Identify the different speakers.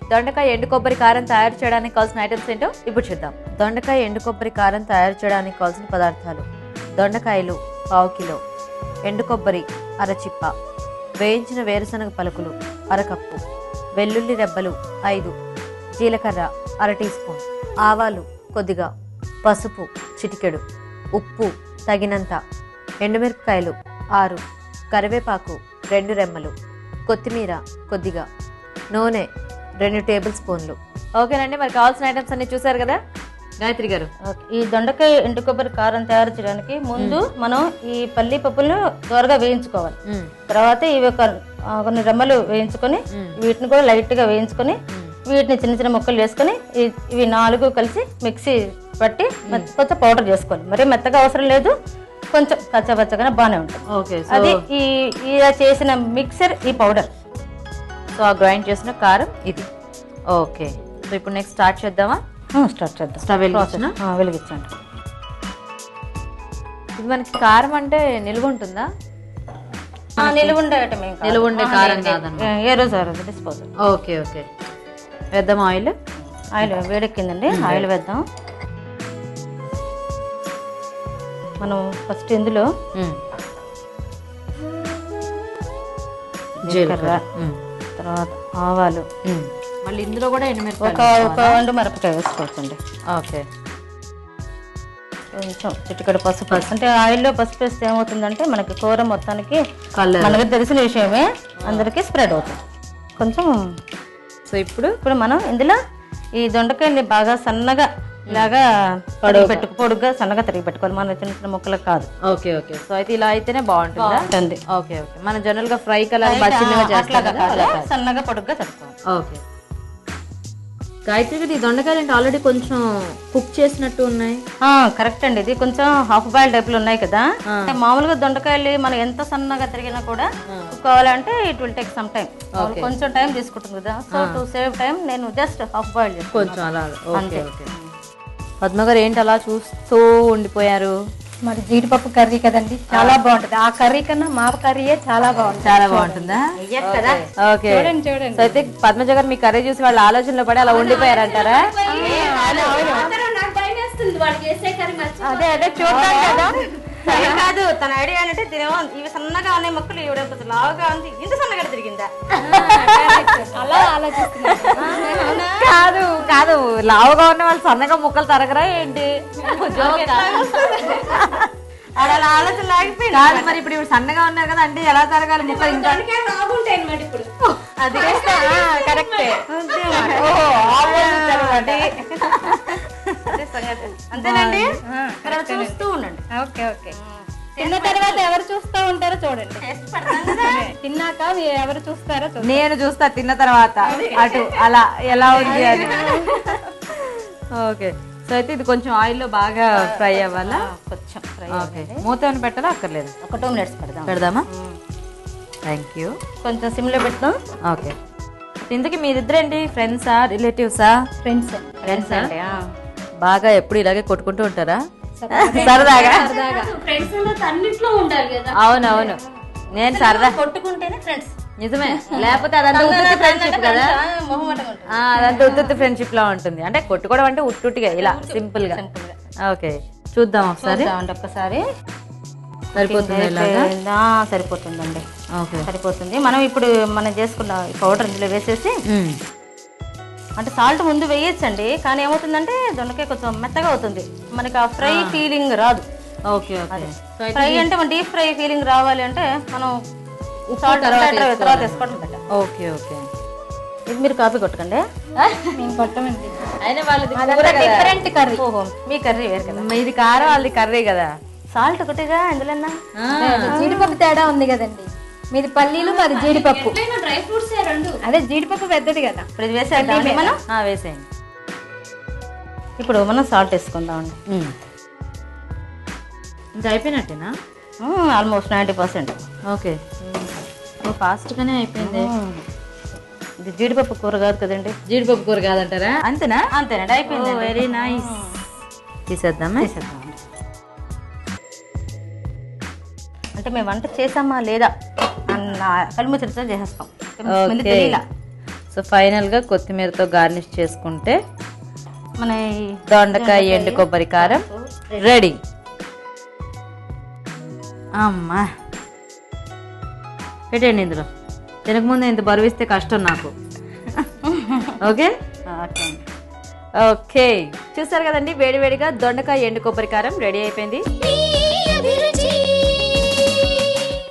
Speaker 1: దొండకాయ ఎండు కొబ్బరి కారం తయారు చేయడానికి కావాల్సిన ఐటమ్స్ ఏంటో ఇప్పుడు చూద్దాం. దొండకాయ ఎండు కొబ్బరి కారం తయారు చేయడానికి కావాల్సిన పదార్థాలు: దొండకాయలు 1/2 కిలో, ఎండు కొబ్బరి అరచిప్ప, వేయించిన వేరుశనగ పలుకులు 1/2 కప్పు, వెల్లుల్లి రెబ్బలు 5, జీలకర్ర 1/2 టీ స్పూన్, ఆవాలు కొద్దిగా, పసుపు చిటికెడు, ఉప్పు తగినంత, ఎండుమిరపకాయలు 6, కరివేపాకు 2 రెమ్మలు, కొత్తిమీర కొద్దిగా, నూనె 2 టేబుల్ స్పూన్లు. ఓకేనండి, మరి కావాల్సిన ఐటమ్స్ అన్ని చూసారు కదా గాయత్రి గారు.
Speaker 2: ఈ దొండకాయ ఎండు కొబ్బరి కారం తయారు చేయడానికి ముందు మనం ఈ పల్లి పప్పులను దోరగా వేయించుకోవాలి. తర్వాత ఇవి కొన్ని రెమ్మలు వేయించుకొని వీటిని కూడా లైట్ గా వేయించుకొని వీటిని చిన్న చిన్న ముక్కలు వేసుకొని ఇవి 4 కలిసి మిక్సీ పట్టి కొంచెం పౌడర్ చేసుకోవాలి. మరి మెత్తగా అవసరం లేదు, కొంచెం పచ్చగానే బాగానే ఉంటుంది. అది ఇలా చేసిన మిక్సర్ ఈ పౌడర్.
Speaker 1: సో ఆ గ్రైండ్ చేసిన కారం ఇది. ఓకే, సో ఇప్పుడు నెక్స్ట్ స్టార్ట్ చేద్దామా?
Speaker 2: స్టార్ట్ చేద్దాం.
Speaker 1: స్టవ్
Speaker 2: వెలిగించండి.
Speaker 1: ఇది మనకి కారం అంటే నిలువ ఉంటుందా?
Speaker 2: నిలువ ఉండే
Speaker 1: కారం కాదన్నమాట.
Speaker 2: ఏ రోజు ఆ రోజు డిస్పోజల్.
Speaker 1: ఓకే ఓకే, వేద్దాం. ఆయిల్
Speaker 2: వేడెక్కిందండి, ఆయిల్ వేద్దాం. మనం ఫస్ట్ ఇందులో జీలకర్ర, తర్వాత ఆవాలు,
Speaker 1: మళ్ళీ ఇందులో కూడా
Speaker 2: ఒక ఎండుమిరపకాయ వేసుకోవచ్చండి.
Speaker 1: ఓకే,
Speaker 2: కొంచెం చిటికెడు పసుపు. అంటే ఆయిల్లో పసుపు వేస్తే ఏమవుతుందంటే మనకి కూర మొత్తానికి మనకి తెలిసిన విషయమే అందరికీ స్ప్రెడ్ అవుతుంది కొంచెం. సో ఇప్పుడు మనం ఇందులో ఈ దొండకాయని బాగా సన్నగా ఇలాగా పొడుగ్గా సన్నగా తరిగి పెట్టుకోవాలి, మన చిన్న చిన్న ముక్కలకు కాదు.
Speaker 1: ఓకే ఓకే, సో అయితే ఇలా అయితేనే బాగుంటుంది. ఓకే ఓకే, మనం జనరల్ గా ఫ్రై కలర్
Speaker 2: సన్నగా పొడుగ్గా తరుకోవాలి.
Speaker 1: ఓకే గాయత్రి గారు, ఈ దొండకాయలు అంటే ఆల్రెడీ కొంచెం కుక్ చేసినట్టు ఉన్నాయి.
Speaker 2: కరెక్ట్ అండి, ఇది కొంచెం హాఫ్ బాయిల్ టైప్ లో ఉన్నాయి కదా. అంటే మామూలుగా దొండకాయలు మనం ఎంత సన్నగా తరిగినా కూడా కుక్ కావాలంటే it will take some time, కొంచెం టైం తీసుకుంటుంది కదా. సో టు సేవ్ టైం నేను జస్ట్ హాఫ్ బాయిల్ చేస్తాను
Speaker 1: కొంచెం అలా. ఓకే ఓకే, పద్మ గారు ఏంటి అలా చూస్తూ ఉండిపోయారు?
Speaker 3: మరి జీడిపప్పు కర్రీ కదండి, చాలా బాగుంటది. ఆ కర్రీ కన్నా మా కర్రీయే చాలా బాగుంటుంది.
Speaker 1: చాలా బాగుంటుందా? ఓకే, చూడండి. సో అయితే పద్మజ గారు మీ కర్రీ చూసి వాళ్ళ ఆలోచనలో పడి అలా ఉండిపోయారంటారా?
Speaker 2: అదే అదే చూద్దాం కదా. కాదు, తన ఐడియా ఏంటంటే తినేమో ఇవి సన్నగా ఉన్నాయి మొక్కలు, ఇవిడ లావుగా ఉంది, ఇంత సన్నగా తిరిగిందా
Speaker 3: అలా ఆలోచిస్తున్నా.
Speaker 1: కాదు కాదు, లావుగా ఉన్న వాళ్ళు సన్నగా ముక్కలు తరగరా ఏంటి?
Speaker 2: అలా ఆలోచన లాగిపోయింది.
Speaker 1: కాదు, మరి ఇప్పుడు ఇప్పుడు సన్నగా ఉన్నారు కదా అంటే ఎలా తరగాలి ముక్కలు? ఇంకా
Speaker 2: అది కరెక్టే, అంతేనండి. చూస్తూ ఉండండి.
Speaker 3: ఓకే ఓకే, తిన్న తర్వాత ఎవరు చూస్తూ ఉంటారో చూడండి. తిన్నాక ఎవరు చూస్తారో
Speaker 1: నేను చూస్తా తిన్న తర్వాత అటు అలా ఎలా ఉంది అని. ఓకే, సో అయితే ఇది కొంచెం ఆయిల్లో బాగా ఫ్రై అవ్వాలా?
Speaker 2: కొంచెం ఫ్రై.
Speaker 1: ఓకే, మూత ఏమైనా పెట్టాలా? అక్కర్లేదు,
Speaker 2: ఒక 2 minutes
Speaker 1: పెడదామా? Thank you.
Speaker 2: కొంచెం సిమ్లో పెడతాం.
Speaker 1: ఓకే, ఇంతకీ మీరిద్దరేంటి ఫ్రెండ్సా రిలేటివ్సా?
Speaker 2: ఫ్రెండ్స్ అండి.
Speaker 1: బాగా ఎప్పుడు ఇలాగే కొట్టుకుంటూ ఉంటారా సరదాగా? అవునవును, నేను సరదా
Speaker 2: కొట్టుకుంటేనే ఫ్రెండ్స్.
Speaker 1: నిజమే, లేకపోతే అదంతా ఉత్తుత్తి ఫ్రెండ్షిప్ కదా. అదంతా ఉత్తుత్తి ఫ్రెండ్షిప్ లా ఉంటుంది. అంటే కొట్టుకోవడం అంటే ఉట్టుగా ఇలా సింపుల్ గా. ఓకే, చూద్దాం ఒకసారి.
Speaker 2: ఒక్కసారి
Speaker 1: సరిపోతుంది,
Speaker 2: సరిపోతుందండి.
Speaker 1: ఓకే,
Speaker 2: సరిపోతుంది. మనం ఇప్పుడు మనం చేసుకున్న పౌడర్ ఇందులో వేసేసి, అంటే సాల్ట్ ముందు వేయచ్చండి, కానీ ఏమవుతుందంటే దొండకాయ కొంచెం మెత్తగా అవుతుంది, మనకి ఆ ఫ్రై ఫీలింగ్ రాదు.
Speaker 1: ఓకే ఓకే,
Speaker 2: ఫ్రై అంటే మన డీప్ ఫ్రై ఫీలింగ్ రావాలి అంటే మనం సాల్ట్ తర్వాత వేసుకోవడం బెటర్.
Speaker 1: ఓకే ఓకే,
Speaker 2: ఇది మీరు కాపీ కొట్టకండి,
Speaker 3: మేము కొట్టమండి.
Speaker 1: అయినా వాళ్ళది
Speaker 3: డిఫరెంట్ కర్రీ.
Speaker 2: ఓహో, మీ కర్రీ వేరు కదా.
Speaker 1: ఇది కారం, వాళ్ళది కర్రీ కదా.
Speaker 2: సాల్ట్ ఒకటిగా ఇందులో
Speaker 3: జీడిపప్పు తేడా ఉంది కదండి, మీది పల్లీలు మరి జీడిపప్పు. అదే జీడిపప్పు పెద్దది కదా.
Speaker 2: ఇప్పుడు ఇది వేసేయండి మనం.
Speaker 1: వేసేయండి.
Speaker 2: ఇప్పుడు మనం సాల్ట్ వేసుకుందామండి.
Speaker 1: ఇంకా అయిపోయినట్టేనా?
Speaker 2: ఆల్మోస్ట్ 90%.
Speaker 1: ఓకే, ఫాస్ట్ గానే అయిపోయింది.
Speaker 2: ఇది జీడిపప్పు కూర కాదు కదండి.
Speaker 1: జీడిపప్పు కూర కాదంటారా?
Speaker 2: అంతేనా? అంతేనండి, అయిపోయింది.
Speaker 1: Very nice. తీసేద్దామా?
Speaker 2: అంటే మేము వంట చేసామా లేదా అన్న కలుము చర్చ చేసేస్తాం.
Speaker 1: సో ఫైనల్గా కొత్తిమీరతో గార్నిష్ చేసుకుంటే
Speaker 2: మన
Speaker 1: దొండకాయ ఎండు కొబ్బరి కారం రెడీ. అమ్మా పెట్టండి ఇందులో. తినకముందు ఇంత బరువిస్తే కష్టం నాకు. ఓకే ఓకే, చూసారు కదండి, వేడివేడిగా దొండకాయ ఎండు కొబ్బరి కారం రెడీ అయిపోయింది.